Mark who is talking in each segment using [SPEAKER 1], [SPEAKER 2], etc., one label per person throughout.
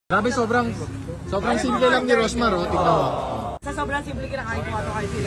[SPEAKER 1] Grabe, sobrang simple lang ni Rosmar, oh. Tignan mo.
[SPEAKER 2] Sa sobrang simple kinakain ko ito kahit sila.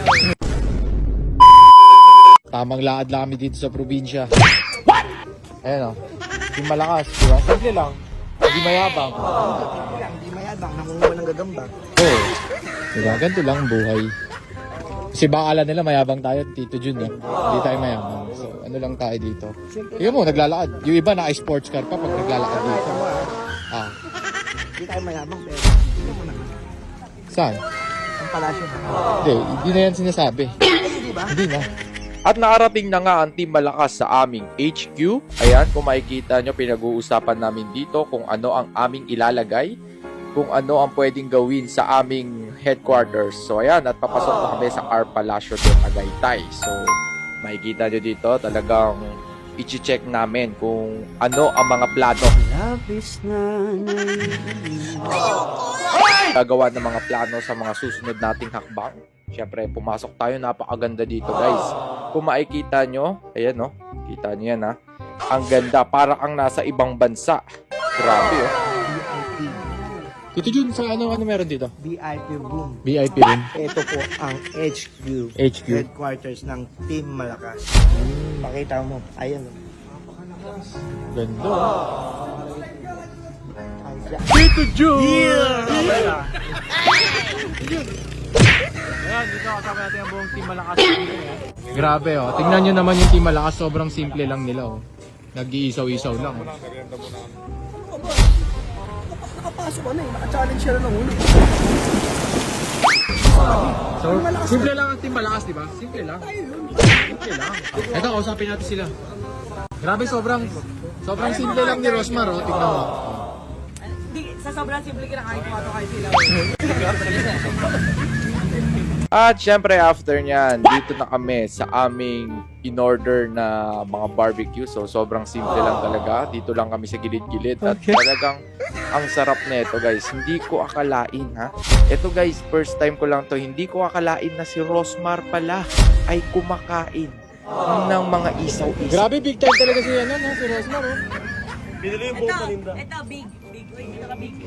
[SPEAKER 1] Tamang lakad lang kami dito sa probinsya. What? Ayan, oh. Yung malakas, di ba? Simple lang. Hindi mayabang.
[SPEAKER 3] Hindi mayabang, nangunguha ng gagamba.
[SPEAKER 1] Oo. Diba? Ganito lang ang buhay. Kasi baka akala nila mayabang tayo, Tito Jun, eh. Hindi tayo mayabang. So, ano lang tayo dito. Tingnan mo, naglalakad. Yung iba naka-sports car pa pag naglalakad dito. Ah.
[SPEAKER 3] Hindi tayo mayabang, pero hindi mo na.
[SPEAKER 1] Saan?
[SPEAKER 3] Ang palasyo na.
[SPEAKER 1] Hindi na yan sinasabi.
[SPEAKER 3] Hindi ba?
[SPEAKER 1] Hindi na. At nakarating na nga ang Team Malakas sa aming HQ. Ayan, kung makikita nyo, pinag-uusapan namin dito kung ano ang aming ilalagay, kung ano ang pwedeng gawin sa aming headquarters. So ayan, at papasok na kami sa Car Palacio de Tagaytay. So makikita nyo dito, talagang i-check namin kung ano ang mga plano.
[SPEAKER 3] Labis na
[SPEAKER 1] Gagawa ng mga plano sa mga susunod nating hakbang. Siyempre, pumasok tayo. Napakaganda dito, guys. Kung makikita nyo, ayan, no? Kita nyo yan, ha? Ang ganda. Parang ang nasa ibang bansa. Grabe, oh.
[SPEAKER 3] VIP.
[SPEAKER 1] Tito Jun, sa ano meron dito?
[SPEAKER 3] VIP room.
[SPEAKER 1] VIP rin.
[SPEAKER 3] Ito po ang HQ.
[SPEAKER 1] HQ.
[SPEAKER 3] Headquarters ng Team Malakas. Pakita mo. Ayan.
[SPEAKER 1] Ganda, oh. Tito Jun!
[SPEAKER 3] Yeah!
[SPEAKER 1] Ayan, dito kasama natin ang buong Team Malakas. Grabe, oh. Tingnan nyo naman yung Team Malakas. Sobrang simple lang nila, oh. Nag-iisaw-isaw lang, oh.
[SPEAKER 3] Nakapasok ano eh. Naka-challenge siya ng ulo.
[SPEAKER 1] So, simple lang ang Team Malakas, di ba? Simple lang. Simple lang. Ito, kausapin natin sila. Grabe, sobrang simple lang ni Rosmar, oh. Tingnan mo.
[SPEAKER 2] Sa sobrang simple kinakain ko ito kahit sila.
[SPEAKER 1] At syempre after nyan, dito na kami sa aming in-order na mga barbecue. So sobrang simple lang talaga. Dito lang kami sa gilid-gilid. At talagang ang sarap na ito, guys. Hindi ko akalain, ha. Ito, guys, first time ko lang to. Hindi ko akalain na si Rosmar pala ay kumakain ng mga isaw-isaw. Grabe, big time talaga si Rosmar, oh.
[SPEAKER 2] Ito, big. Wait, ito ka big.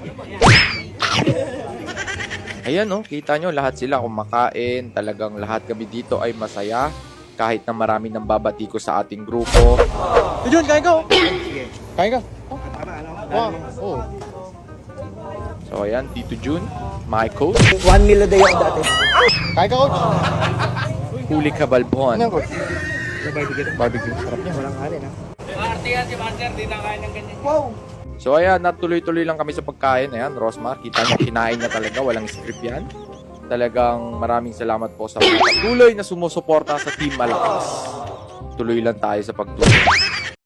[SPEAKER 1] Ayan, oh, kita nyo, lahat sila kumakain. Talagang lahat kami dito ay masaya. Kahit na marami nang babati ko sa ating grupo. Jun, kain ka, oh. Kain ka. Oh. Wow. Oh. So, ayan, Tito Jun, my coach.
[SPEAKER 3] 1 meal a day ako dati.
[SPEAKER 1] Kain ka, coach. Huli ka, Balbon.
[SPEAKER 3] Ano coach? Sa barbecue.
[SPEAKER 1] Barbecue. Sarap niya.
[SPEAKER 3] Walang kanin ha.
[SPEAKER 2] Arte yan si Master, di na kaya ng ganyan.
[SPEAKER 3] Wow!
[SPEAKER 1] So, ayan, natuloy-tuloy lang kami sa pagkain. Ayan, Rosmar, kita nyo, kinain niya talaga. Walang script yan. Talagang maraming salamat po sa mga patuloy na sumusuporta sa Team Malakas. Tuloy lang tayo sa pagtulong.